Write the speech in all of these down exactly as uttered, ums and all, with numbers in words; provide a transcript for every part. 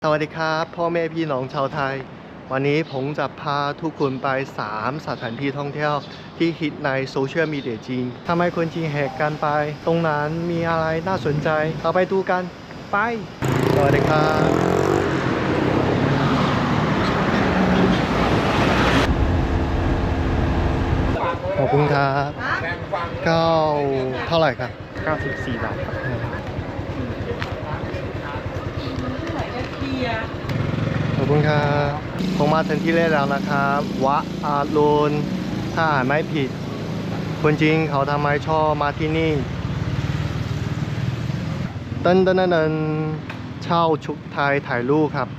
สวัสดีครับพ่อแม่พี่น้องชาวไทยวันนี้ผมจะพาทุกคนไปสามสถานที่ท่องเที่ยวที่ฮิตในโซเชียลมีเดียจีนทำไมคนจีนแหกกันไปตรงนั้นมีอะไรน่าสนใจเราไปดูกันไปสวัสดีครับขอบคุณครับเก้าเท่าไหร่ครับเก้าสิบสี่บาทครับขอบคุณครับผมมาถึงที่แรกแล้วนะครับวัดอารุณถ้าอ่านไม่ผิดคนจริงเขาทำไมชอบมาที่นี่เต้นเต้นเต้นเช่าชุดไทยถ่ายรูปครับ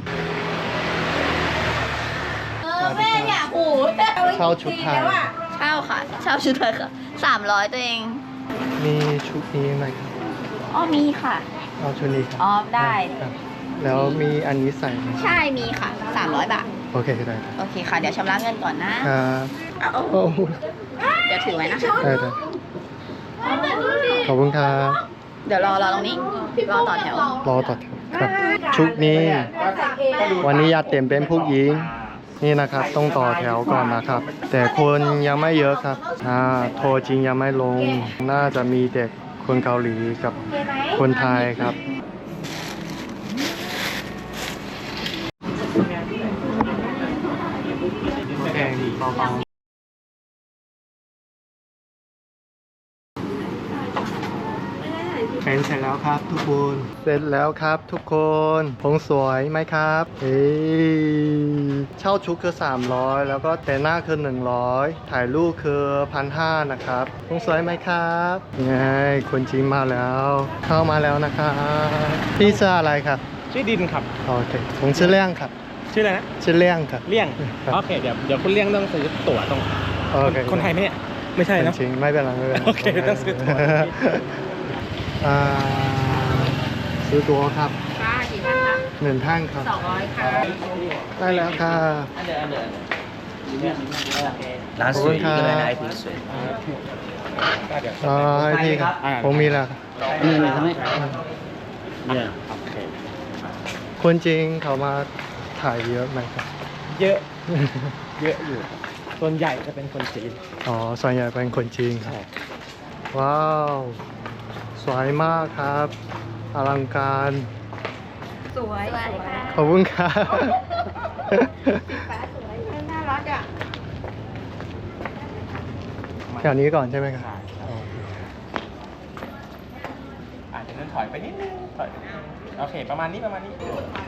เออแม่เนี่ยโอ้โหเช่าชุดไทยเช่าค่ะเช่าชุดไทยค่ะสามร้อยตัวเองมีชุดนี้ไหมครับอ๋อมีค่ะเอาชุดนี้ครับอ๋อได้ครับแล้วมีอันนี้ใส่ไหมใช่มีค่ะสามร้อยบาทโอเคได้โอเคค่ะเดี๋ยวชำระเงินก่อนนะครับ เอาโอ้โหเดี๋ยวถือไว้นะคะได้ได้ขอบคุณครับเดี๋ยวรอรอตรงนี้รอต่อแถวรอต่อแถวครับชุดนี้วันนี้ยาเต็มเป็นผู้หญิงนี่นะครับต้องต่อแถวก่อนนะครับ แต่คนยังไม่เยอะครับอ่าโทรจริงยังไม่ลงน่าจะมีเด็กคนเกาหลีกับคนไทยครับแพงดีเบาๆเป็นเสร็จแล้วครับทุกคนเสร็จแล้วครับทุกคนผมสวยไหมครับเฮ้ยเช่าชุดคือสามร้อยแล้วก็แต่งหน้าคือหนึ่งร้อยถ่ายรูปคือพันห้านะครับผมสวยไหมครับไงคนจีนมาแล้วเข้ามาแล้วนะครับพี่ชื่ออะไรครับชื่อดินครับโอเคผมชื่อเลี่ยงครับชื่ออะไรนะชื่อเลี่ยงครับเลี่ยงครับโอเคเดี๋ยวเดี๋ยวคุณเลี่ยงต้องซื้อตั๋วตรงโอเคคนไทยไหมเนี่ยไม่ใช่เนอะจริงๆไม่เป็นไรไม่เป็นไรโอเคต้องซื้อตั๋วอ่าซื้อตั๋วครับค่ะกี่ท่านคะหนึ่งท่านครับสองร้อยค่ะได้แล้วค่ะ拿水一个人拿一瓶水。 อ๋อให้พี่ครับผมมีแล้วครับ嗯，他们เนี่ยโอเคคนจริงเขามาถ่ายเยอะไหมครับเยอะเยอะอยู่ครับส่วนใหญ่จะเป็นคนจีนอ๋อส่วนใหญ่เป็นคนจริงครับว้าวสวยมากครับอลังการสวยสวยค่ะขอบคุณครับน่ารักอ่ะแถวนี้ก่อนใช่ไหมครับอาจจะเดินถอยไปนิดนึงถอยโอเคประมาณนี้ประมาณนี้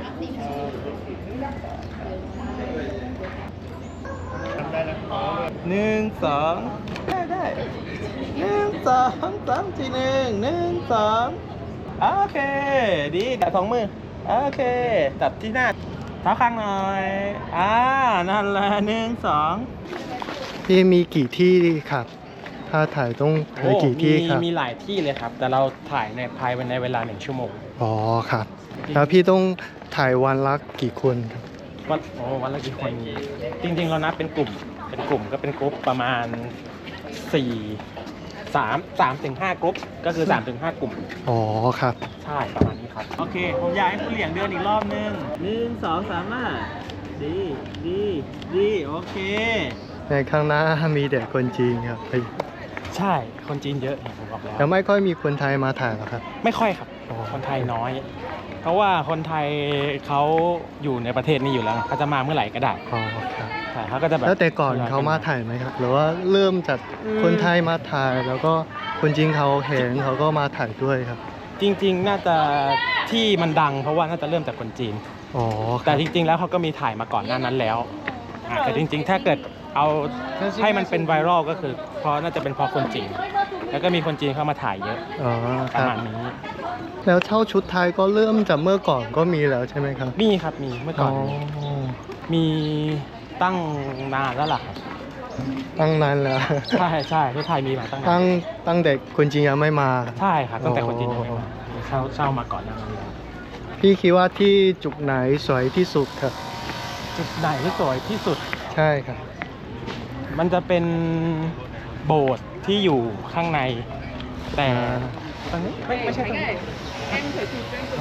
หนึ่งสองได้ได้หนึ่งสองสามสี่หนึ่งหนึ่งสองโอเคดีจับสองมือโอเคจับที่หน้าเท้าข้างหน่อยอ่านั่นแหละหนึ่งสองพี่มีกี่ที่ครับถ้าถ่ายต้องถ่ายกี่ที่ครับมีหลายที่เลยครับ แต่เราถ่ายในภายในเวลาหนึ่งชั่วโมงอ๋อครับแล้วพี่ต้องถ่ายวันละกี่คนครับวันโอ้วันละกี่คน จริงๆ เรานับเป็นกลุ่ม เป็นกลุ่มก็เป็นกลุ่มประมาณสี่สามสามถึงห้ากลุ่มก็คือสามถึงห้ากลุ่มอ๋อครับใช่ประมาณนี้ครับ โอเค ผมอยากให้คุณเหลียงเดินอีกรอบนึงหนึ่งสองสามอ่ะดีดีดีโอเคในข้างหน้ามีแต่คนจีนครับใช่คนจีนเยอะเห็นผมบอกแล้วแล้วไม่ค่อยมีคนไทยมาถ่ายหรอครับไม่ค่อยครับอ๋อคนไทยน้อย เพราะว่าคนไทยเขาอยู่ในประเทศนี้อยู่แล้วเขาจะมาเมื่อไหร่ก็ได้อ๋อครับใช่เขาก็จะแบบแล้วแต่ก่อนเขามาถ่ายไหมครับ หรือว่าเริ่มจากคนไทยมาถ่าย แล้วก็คนจีนเขาเห็นเขาก็มาถ่ายด้วยครับจริงๆ น่าจะที่มันดังเพราะว่าน่าจะเริ่มจากคนจีนอ๋อคแต่รับจริงๆ แล้วเขาก็มีถ่ายมาก่อนหน้านั้นแล้วอ่ะแต่จริงๆ ถ้าเกิดเอาให้มันเป็นไวรัลก็คือเพราะน่าจะเป็นเพราะคนจีน แล้วก็มีคนจีนเข้ามาถ่ายเยอะอ๋อปคระรับมาณนี้แล้วเช่าชุดไทยก็เริ่มจากเมื่อก่อนก็มีแล้วใช่ไหมครับมีครับมีเมื่อก่อนมีมีตั้งนานแล้วล่ะครับตั้งนานแล้วใช่ใช่ที่ไทยมีมาตั้งนาตั้นงตั้งเด็กคนจีนยังไม่มาใช่ครับตั้งแต่คนจีนยังไม่มาเช่าเช่ามาก่อนหน้านั้นแล้วพี่คิดว่าที่จุดไหนสวยที่สุดครับจุดไหนที่สวยที่สุดใช่ครับมันจะเป็นโบสถ์ที่อยู่ข้างใน แต่อ่าตรงนี้ไม่ไม่ใช่ตรงนี้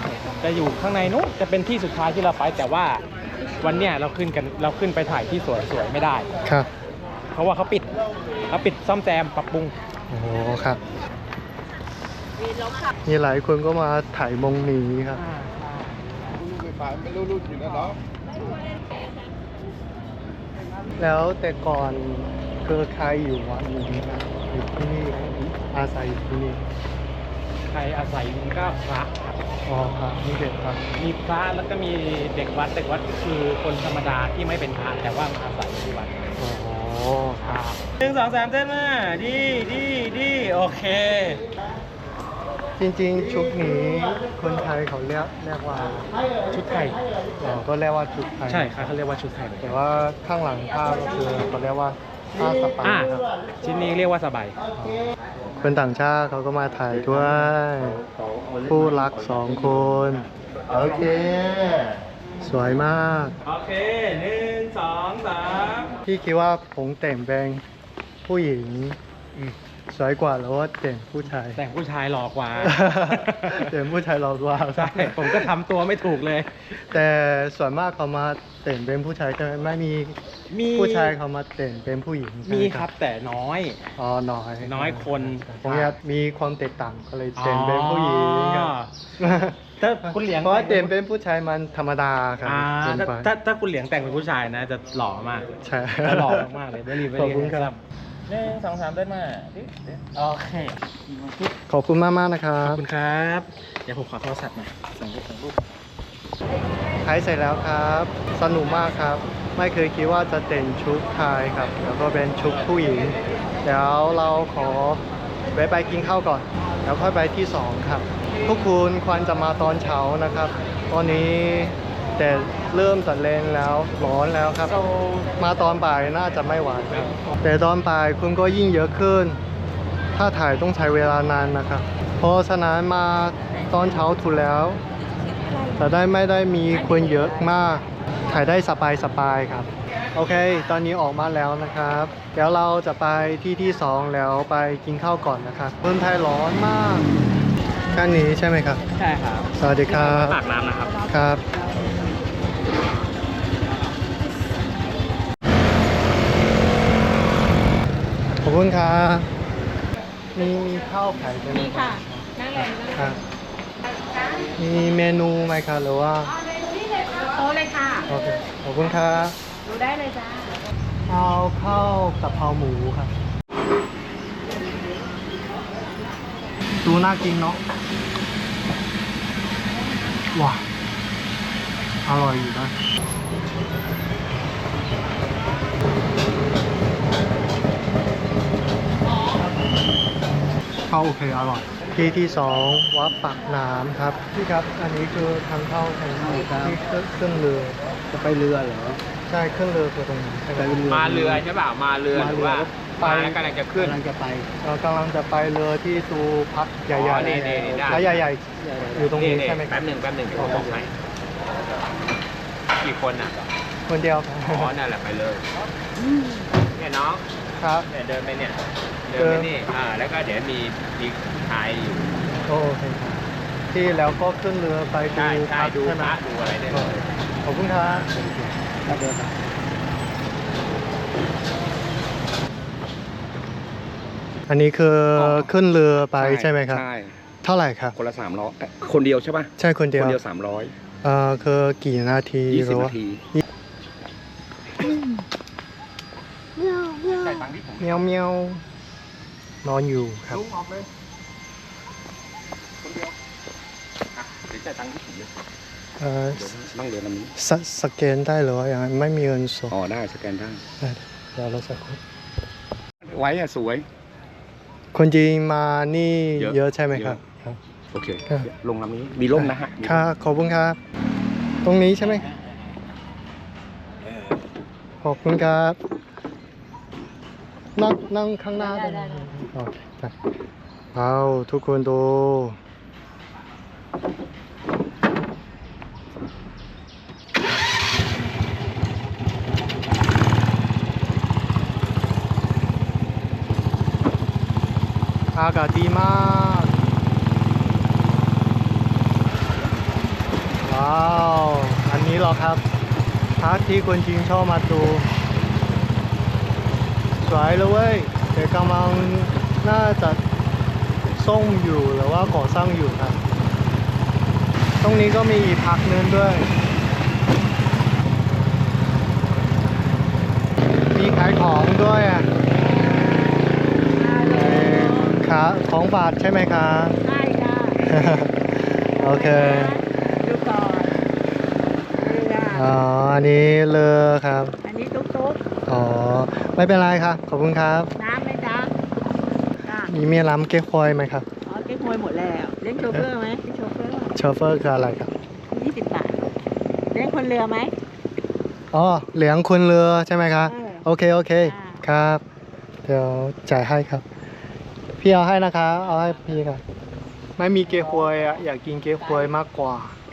จะอยู่ข้างในนู้นจะเป็นที่สุดท้ายที่เราไปแต่ว่าวันเนี้ยเราขึ้นกันเราขึ้นไปถ่ายที่สวยๆไม่ได้ครับเพราะว่าเขาปิดเขาปิดซ่อมแซมปรับปรุงโอ้โหครับมีหลายคนก็มาถ่ายมงนี้ครับ แล้วแต่ก่อนคือใครอยู่วัดนี้ครับอยู่ที่นี่อาศัยอยู่ที่นี่ใครอาศัยมันก็พระอ๋อครับนี่เด็กครับมีพระแล้วก็มีเด็กวัดเด็กวัดก็คือคนธรรมดาที่ไม่เป็นพระแต่ว่ามาอาศัยอยู่ที่วัดอ๋อครับหนึ่งสองสามเต้นมาดีดีดีโอเคจริงๆชุดนี้คนไทยเขาเรียกเรียกว่าชุดไทยอ๋อก็เรียกว่าชุดไทยใช่ครับเขาเรียกว่าชุดไทยแต่ว่าข้างหลังผ้าก็คือเขาเรียกว่าผ้าสปาอ่าครับชิ้นนี้เรียกว่าสบายคนต่างชาติเขาก็มาถ่ายด้วย ผู้รักสองคน โอเค สวยมากโอเคหนึ่งสองสามพี่คิดว่าผมแต่งเป็นผู้หญิงสวยกว่าหรือว่าแต่งผู้ชายแต่งผู้ชายหล่อกว่าแต่งผู้ชายเรากว่าใช่ผมก็ทำตัวไม่ถูกเลยแต่ส่วนมากเขามาแต่งเป็นผู้ชายใช่ไหมไม่มีมีผู้ชายเขามาแต่งเป็นผู้หญิงใช่ไหมีครับแต่น้อยอ๋อน้อยน้อยคนผมอยากมีความแตกต่างก็เลยแต่งเป็นผู้หญิงครับถ้าคุณเหลียงเพราะว่าแต่งเป็นผู้ชายมันธรรมดาครับอ่าเกินถ้าไปถ้าถ้าคุณเหลียงแต่งเป็นผู้ชายนะ จะหล่อมากใช่จะหล่อมากๆเลยได้รีบไปขอบเรียคุณครับหนึ่งสองสามได้มาโอเคขอบคุณมากมากๆนะครัขอบบ คุณครับ เดี๋ยวผมขอโทรศัพท์หน่อยสั่งรูปสั่งรูปถ่ายเสร็จแล้วครับ สนุกมากครับ ไม่เคยคิดว่าจะแต่งชุดไทยครับ แล้วก็เป็นชุดผู้หญิง เดี๋ยวเราขอแวะไปกินข้าวก่อน แล้วค่อยไปที่สองครับ ทุกคนควรจะมาตอนเช้านะครับ ตอนนี้แต่เริ่มจะแรงแล้วร้อนแล้วครับ มาตอนบ่ายน่าจะไม่ไหวครับ แต่ตอนบ่ายคุณก็ยิ่งเยอะขึ้น ถ้าถ่ายต้องใช้เวลานานนะครับ เพราะฉะนั้นมาตอนเช้าถูกแล้ว จะได้ไม่ได้มีคนเยอะมาก ถ่ายได้สบายสบายๆครับ โอเค ตอนนี้ออกมาแล้วนะครับ เดี๋ยวเราจะไปที่ที่สองแล้วไปกินข้าวก่อนนะครับเมืองไทยร้อนมากแค่นี้ใช่ไหมครับใช่ครับสวัสดีครับปากน้ำนะครับครับ ขอบคุณครับมีมีข้าวขายไหมนี่ค่ะ นั่งเลยนั่งครับ มีเมนูไหมครับหรือว่าโต๊ะเลยค่ะโอเคขอบคุณครับดูได้เลยจ้าเอาข้าวกะเพราหมูครับ ดูน่ากินเนาะว้าอร่อยอยู่นะข้าวโอเคอร่อย ที่ที่สองวัดปากน้ำครับพี่ครับ อันนี้คือทางเข้าใช่ไหมครับที่ขึ้นเรือจะไปเรือเหรอใช่ขึ้นเรือคือตรงนี้ใช่ไหมมาเรือใช่เปล่ามาเรือหรือว่าไปมาแล้วกำลังจะขึ้นกำลังจะไปเรากำลังจะไปเรือที่ตูพักใหญ่อ๋อๆนี่นี่นี่ได้แล้วใหญ่ๆอยู่ตรงนี้ใช่ไหมครัแป๊บบหนึ่งแป๊บหนึ่งเดี๋ยวผมบอกให้กี่คนอ่ะคนเดียวครับอ๋อนั่นแหละไปเลยเนี่ยน้องครับเนี่ยเดินไปเนี่ยเดินไปนี่อ่าแล้วก็เดี๋ยวมีมีชายอยู่โอเคครับที่แล้วก็ขึ้นเรือไปดูใช่ใช่พักดูใช่ไหพมระดูอะไรได้เลยขอบคุณครับถ้าเดินมาอันนี้คือขึ้นเรือไปใช่ไหมครับใช่เท่าไหร่ครับคนละสามร้อยคนเดียวใช่ป่ะใช่คนเดียวคนเดียวสามร้อยเอ่อคือกี่นาทียี่หสิรืบอว่านาทีใส่ตังค์ที่ผมเมียวเมียวๆนอนอยู่ครับลุงออกเลยคนเดียวอ่ะเดี๋ยวจ่ายตังค์ที่ผมเลยเอ่อนั่งเรือลำนี้สสแกนได้หรือว่ายังไงไม่มีเงินสดอ๋อได้สแกนได้ได้เดี๋ยวเราสักครู่ไว้อะสวยคนจีนมานี่เยอะเยอะใช่ไหมครับเยอะครับโอเคครับลงลำนี้ มีร่มนะฮะมีค่ะขอบคุณครับ ตรงนี้ใช่ไหมขอบคุณครับ นั่งนั่งข้างหน้าได้ไหมโอเคได้เอาทุกคนดูอากาศดีมากว้าว อันนี้เหรอครับพักที่คนจีนชอบมาดูสวยเลยเว้ยแต่กำลังน่าจะซ่งอยู่หรือว่าก่อสร้างอยู่ครับตรงนี้ก็มีอีกพักนึงด้วย มีขายของด้วยอ่ะเอ่อขาของบาทใช่ไหมคะใช่ค่ะโอเคดูก่อนนี่ค่ะอ๋อ อันนี้เรือครับอันนี้ตุ๊กตุ๊กอ๋อ ไม่เป็นไรครับ ขอบคุณครับน้ำไหมจ๊ะจ้ะมีเมียล้ำเก๊กฮวยไหมครับอ๋อเก๊กฮวยหมดแล้วเลี้ยงโชเฟอร์ไหมโชเฟอร์โชเฟอร์คืออะไรครับยี่สิบบาทเลี้ยงคนเรือไหมอ๋อเหลียงคุณเรือใช่ไหมครับเออโอเค โอเคอ่าครับ เดี๋ยวจ่ายให้ครับ พี่เอาให้นะคะ เอาให้พี่ครับ ไม่มีเก๊กฮวยอ่ะ อยากกินเก๊กฮวยมากกว่า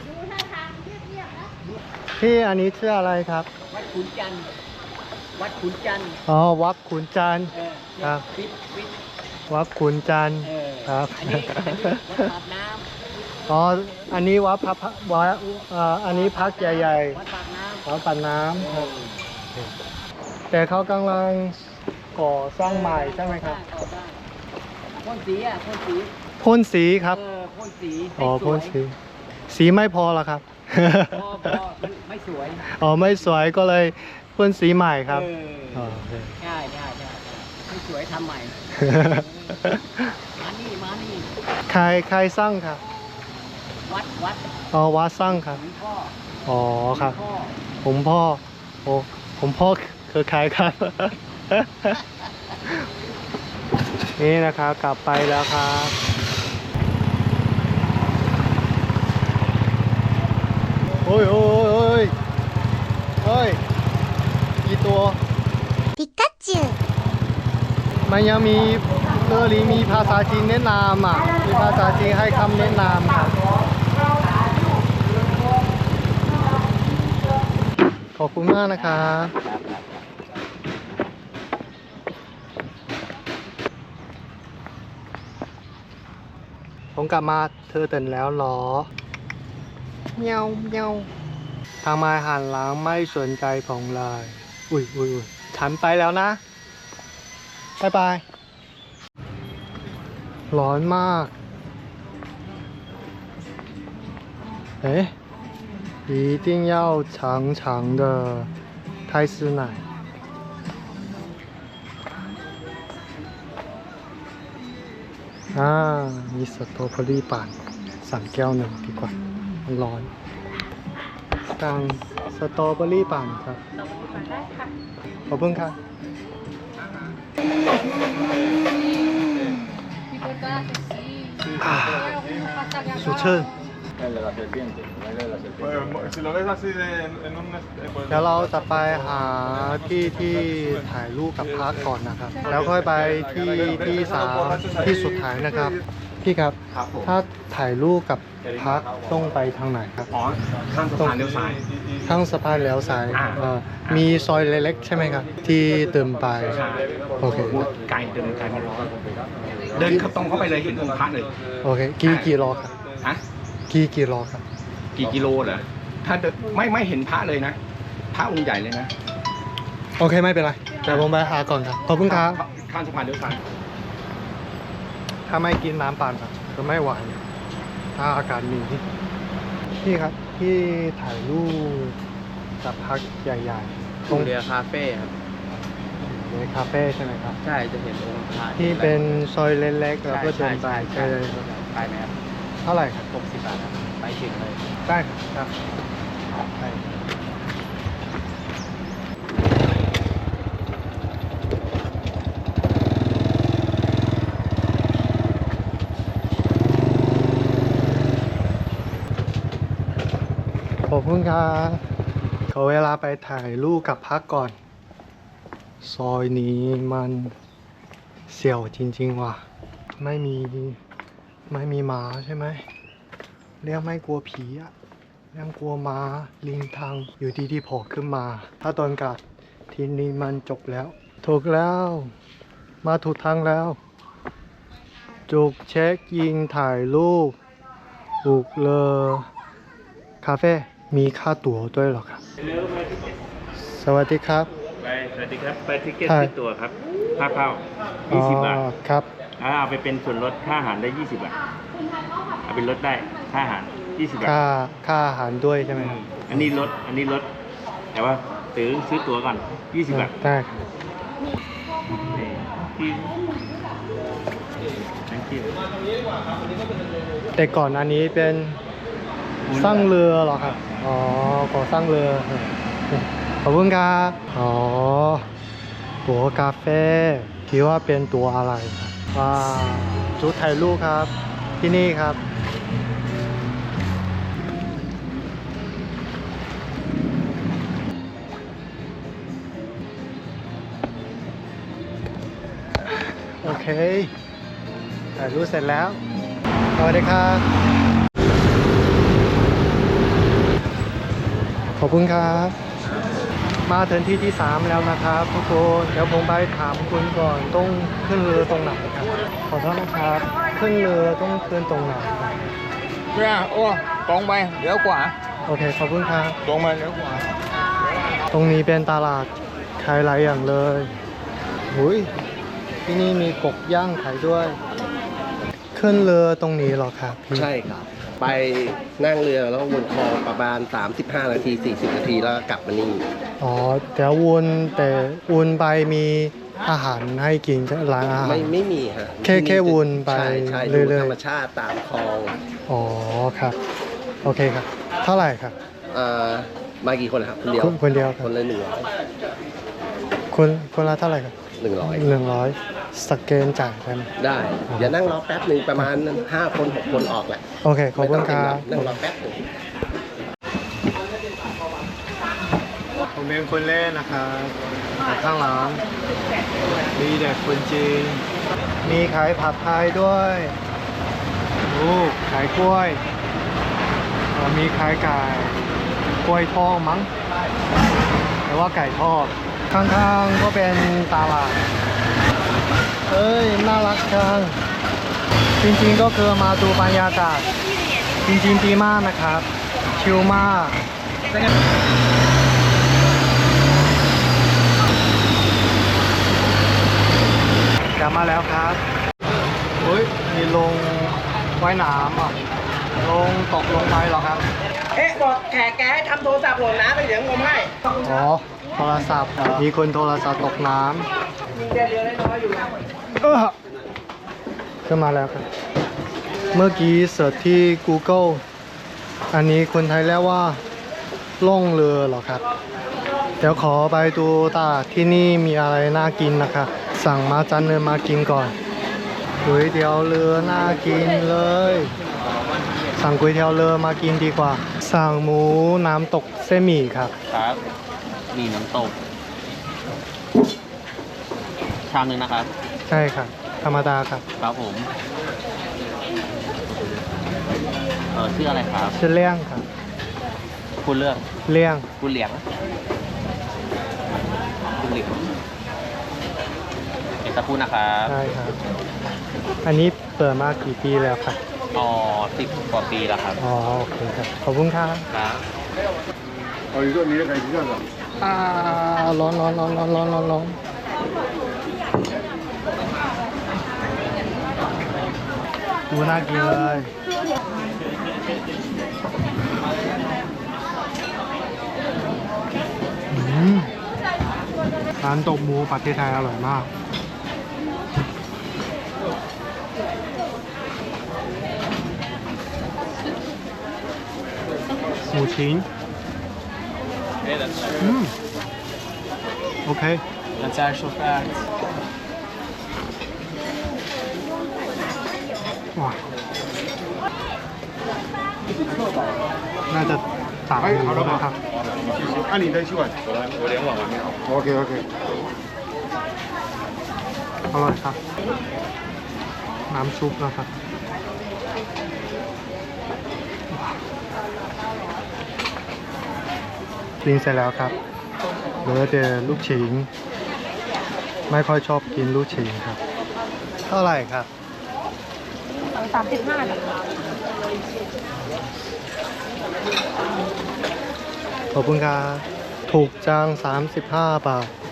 พี่อันนี้ชื่ออะไรครับวัดขุนจันทร์วัดขุนจันทร์อ๋อ วัดขุนจันทร์เออครับฟิตฟิตวัดขุนจันทร์เออครับอันนี้อันนี้วัดปากน้อ๋อ อันนี้วัดพระพระวัดเอ่ออันนี้พักใหญ่ำวัดปากน้ๆวัดปันน้ำเออำแต่เขากำลังก่อสร้างใหม่ใช่ไหมครับเอาได้พ่นสีอ่ะพ่นสีพ่นสีครับเออพ่นสีอ๋อให้สพ่วน ยสี สีไม่พอเหรอครับพอพอมันไม่สวยอ๋อ ไม่สวยก็เลยพ่นสีใหม่ครับเออ๋ออโอเคใช่ใช่ใช่ใช่ไม่สวยทำใหม่ มานี่มานี่ใครใครสร้างครับวัดวัดอ๋อ วัดสร้างครับหลวงพ่ออ๋อครับหลวงพ่อผมพ่อ โอ้ผมพ่อคือใครครับ นี่นะครับกลับไปแล้วครับ โอ้ยโอ้ยโอ้ยโอ้ยกี่ตัวピカチュウมันยังมีเรือนี้มีภาษาจีนแนะนำอ่ะ มีภาษาจีนให้คำแนะนำครับ ขอบคุณมากนะครับ ผมกลับมาเธอตื่นแล้วเหรอเมียวเมียวทำไมหันหลังไม่สนใจผมเลย อุ้ยอุ้ยอุ้ยฉันไปแล้วนะบายบาย ร้อนมาก เอ๊ะ一定要长长的泰式奶อ่ามีสตรอเบอรี่ปั่นสั่งแก้วหนึ่งดีกว่ามันร้อนสั่งสตรอเบอรี่ปั่นครับขอบคุณครับ สุเชิญ Pues, si lo ves así de, en un... eh, pues, เดี๋ยวเราจะไปหาที่ที่ถ่ายรูปกับพักก่อนนะครับ แล้วค่อยไปที่ที่สามที่สุดท้ายนะครับ พี่ครับครับผมถ้าถ่ายรูปกับพักต้องไปทางไหนครับอ๋อ ข้างสะพานเลี้ยวซ้ายข้างสะพานแล้วซ้ายอ่าเอ่อมีซอยเล็กๆใช่ไหมครับ ที่เติมไป โอเคไกลเดินไกลไม่ร้อนเดินเข้าตรงเข้าไปเลยเห็นองค์พระเลยโอเค กี่กี่โลครับฮะกี่กี่โลครับกี่กิโลเหรอ ถ้าเดินไม่ไม่เห็นพระเลยนะ พระองค์ใหญ่เลยนะโอเคไม่เป็นไรเดี๋ยวผมไปหาก่อนครับ ขอบคุณครับข้างสะพานเลี้ยวซ้ายถ้าไม่กินน้ำปั่นอะก็ไม่ไหวถ้าอากาศมีพี่ครับพี่ถ่ายรูปกับพักใหญ่ๆตรงเรือคาเฟ่ครับในคาเฟ่ใช่ไหมครับใช่จะเห็นองค์พระที่เป็นซอยเล็กๆแล้วก็ใช่เดินไปใช่ใช่ใช่ไปไหมครับเท่าไหร่ครับหกสิบบาทครับไปถึงเลยได้ครับได้ขอบคุณครับขอเวลาไปถ่ายรูปกับพักก่อน ซอยนี้มันเสี่ยวจริงๆว่ะ ไม่มีไม่มีหมาใช่ไหมเรียกไม่กลัวผีอะเรียกกลัวหมาลิงทางอยู่ดีๆโผล่ขึ้นมา ถ้าตอนกลับทีนี้มันจบแล้ว ถูกแล้ว มาถูกทางแล้ว จุกเช็คยิงถ่ายรูปบุกเลอคาเฟ่มีค่าตั๋วด้วยเหรอครับ สวัสดีครับไปสวัสดีครับ ไปทิเก็ตใช่ที่ตัวครับ ค่าเข้ายี่สิบบาทอ๋อครับอ่าเอาไปเป็นส่วนลดค่าอาหารได้ยี่สิบบาท เอาเป็นลดได้ค่าอาหารยี่สิบบาทค่าค่าอาหารด้วยใช่ไหมครับอันนี้ลด อันนี้ลด แต่ว่าซื้อซื้อตั๋วก่อนยี่สิบบาทได้ครับที่ thank you แต่ก่อนอันนี้เป็นสร้างเรือเหรอครับ อ๋อก่อสร้างเรือ ขอบคุณครับ อ๋อ ตั๋วกาแฟคิดว่าเป็นตัวอะไรครับว้าวจุดถ่ายรูปครับ ที่นี่ครับ โอเค ถ่ายรูปเสร็จแล้ว สวัสดีครับ ขอบคุณครับ มาถึงที่ที่สามแล้วนะครับทุกคน เดี๋ยวผมไปถามคุณก่อนต้องขึ้นเรือตรงไหนครับ ขอโทษนะครับ ขึ้นเรือต้องขึ้นตรงไหนครับเนี่ยโอ้ตรงไปเลี้ยวขวาโอเค ขอบคุณครับตรงมาเลี้ยวขวาตรงนี้เป็นตลาดขายหลายอย่างเลยหุยที่นี่มีกบย่างขายด้วย ขึ้นเรือตรงนี้เหรอครับพี่ใช่ครับ ไปนั่งเรือแล้ววนคลองประมาณ สามสิบห้า นาที สี่สิบ นาทีแล้วกลับมานี่อ๋อแต่วนแต่วนไปมีอาหารให้กินร้านอาหารไม่ไม่มีฮะแค่แค่วนไปใช่ใช่เรื่ดูอยๆธรรมชาติตามคลองอ๋อครับ โอเคครับ เท่าไหร่ครับเอ่อมากี่คนครับคนเดียวคนคนเดียวครับคนละหนึ่งร้อยคนคนละเท่าไหร่ครับหนึ่งร้อยหนึ่งร้อยสแกนจ่ายได้ไหมได้อย่านั่งรอแป๊บหนึ่งประมาณห้าคนหกคนออกแหละโอเค ขอบคุณครับไม่ต้องเต็มหรอกนั่งรอแป๊บหนึ่งผมเป็นคนเล่นนะครับข้างหลังมีเด็กคนจีนมีขายผัดไทยด้วยโอ้ขายกล้วยเอ่อมีขายไก่กล้วยทอดมั้งแต่ว่าไก่ทอดข้างๆก็เป็นตลาดเอ้ยน่ารักจังจริงๆก็คือมาดูบรรยากาศจริงๆดีมากนะครับชิลมากกลับมาแล้วครับเฮ้ยมีลงว่ายน้ำอ่ะลงตกลงไปเหรอครับเอ๊ะบอกแขกแกให้ทำโทรศัพท์หล่นน้ำไปเดี๋ยวงมให้อ๋อโทรศัพท์มีคนโทรศัพท์ตกน้ยิงเดือนเดียวได้น้อยอยู่นะำเออขึ้นมาแล้วครับ เมื่อกี้เสิร์ชที่ Google อันนี้คนไทยเรียกว่าล่องเรือเหรอครับ เดี๋ยวขอไปดูตลาดที่นี่มีอะไรน่ากินนะครับ สั่งมาจานเนื้อมากินก่อนก๋วยเตี๋ยวเรือน่ากินเลย สั่งก๋วยเตี๋ยวเรือมากินดีกว่า สั่งหมูน้ำตกเส้นหมี่ครับครับ มีน้ำตก ชามหนึ่งนะครับใช่ครับ ธรรมดาครับครับผม เออชื่ออะไรครับชื่อเลี่ยงครับคุณเลือกเลี่ยงคุณเหลียง คุณเหลียงเอกสักครู่นะครับใช่ครับ อันนี้เปิดมากี่ปีแล้วครับอ๋อสิบกว่าปีแล้วครับอ๋อโอเคครับ ขอบคุณครับครับอ่าร้อนร้อนร้อนร้อนร้อนร้อนร้อนดูน่ากินเลยอืมร้านตกหมูประเทศไทยอร่อยมาก หมูชิ้นอืมโอเค That's actual fact ว้าน่าจะสามหมูนะครับ按你的习惯。 我连网完没有。 โอเคโอเคอร่อยครับ น้ำซุปนะครับกินเสร็จแล้วครับเหลือแต่ลูกชิ้นไม่ค่อยชอบกินลูกชิ้นครับ เท่าไหร่ครับสามสิบห้าขอบคุณครับถูกจังสามสิบห้าบาท